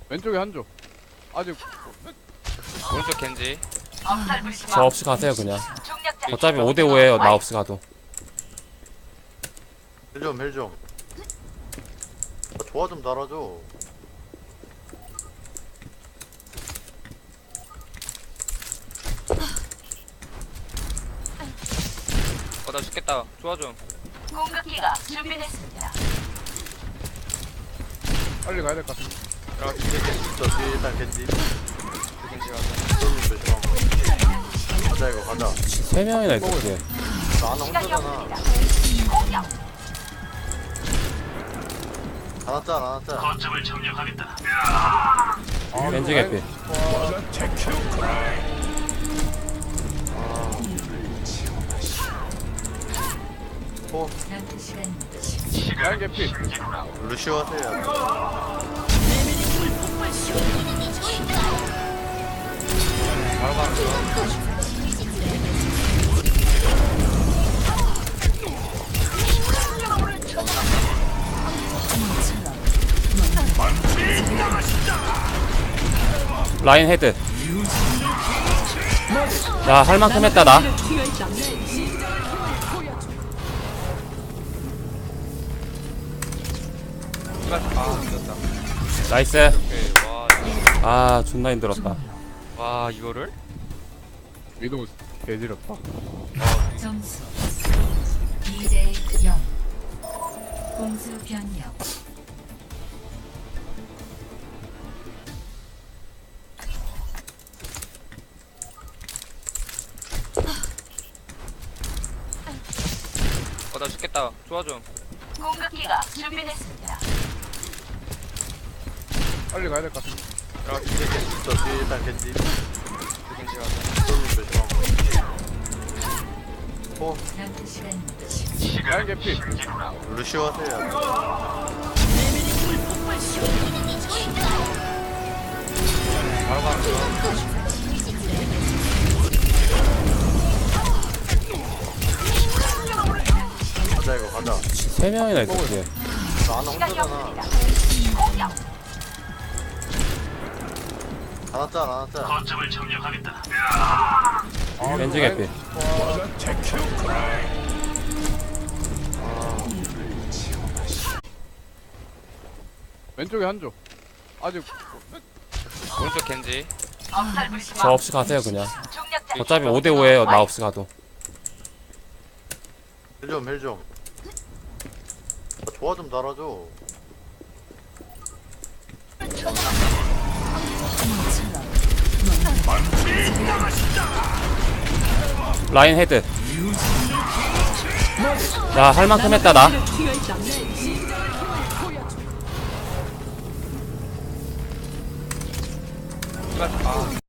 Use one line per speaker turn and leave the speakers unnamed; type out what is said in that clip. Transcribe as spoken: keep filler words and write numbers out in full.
왼쪽에 한조. 아직
오른쪽 겐지.
저 없이 가세요 그냥. 어차피 오 대 오에요 나 없이 가도.
헬좀 헬좀 아, 조화 좀 달아줘.
어 나 죽겠다. 좋아 좀.
공격기가 준비됐습니다.
빨리 가야 될 것 같은데.
들어가 겐지.
저 뒤에 일단 겐지
겐지 가자.
좀 조심하고 가자. 이거 가자.
세 명이나 있었지.
나 하나
시간이
혼자잖아.
없습니다. 공격.
하나 짤 하나 짤.
아,
겐지 개피.
호
라인 개피.
루시오 하세요.
바로 가는 중.
라인 헤드. 야 할 만큼 했다 나.
아 죽였다.
나이스.
오케이. 와.
아 존나 힘들었다.
와 이거를?
위도우 개지렸다.
점수 이 대 영. 공수 변경.
어 나 죽겠다. 좋아 좀.
공격기가 준비됐습니다.
빨리 가야 될 것 같은데.
들어가 겐지.
저 뒤에 일단 겐지
겐지 가자.
좀 조심하고 호
남은 시간
라인 개피.
루시오 하세요.
바로 가는 중.
가자. 이거 가자.
세 명이나 있었지.
나 하나
시간이
혼자잖아.
없습니다. 공격.
하나 짤 하나 짤.
아,
겐지
라인-
개피.
왼쪽에 한조. 아직
오른쪽 겐지.
저 없이 가세요 그냥.
중력자.
어차피 오 대 오에요 나 없이 가도.
헬좀 헬좀 아, 조화 좀 달아줘.
라인 헤드. 야 할 만큼 했다 나.
아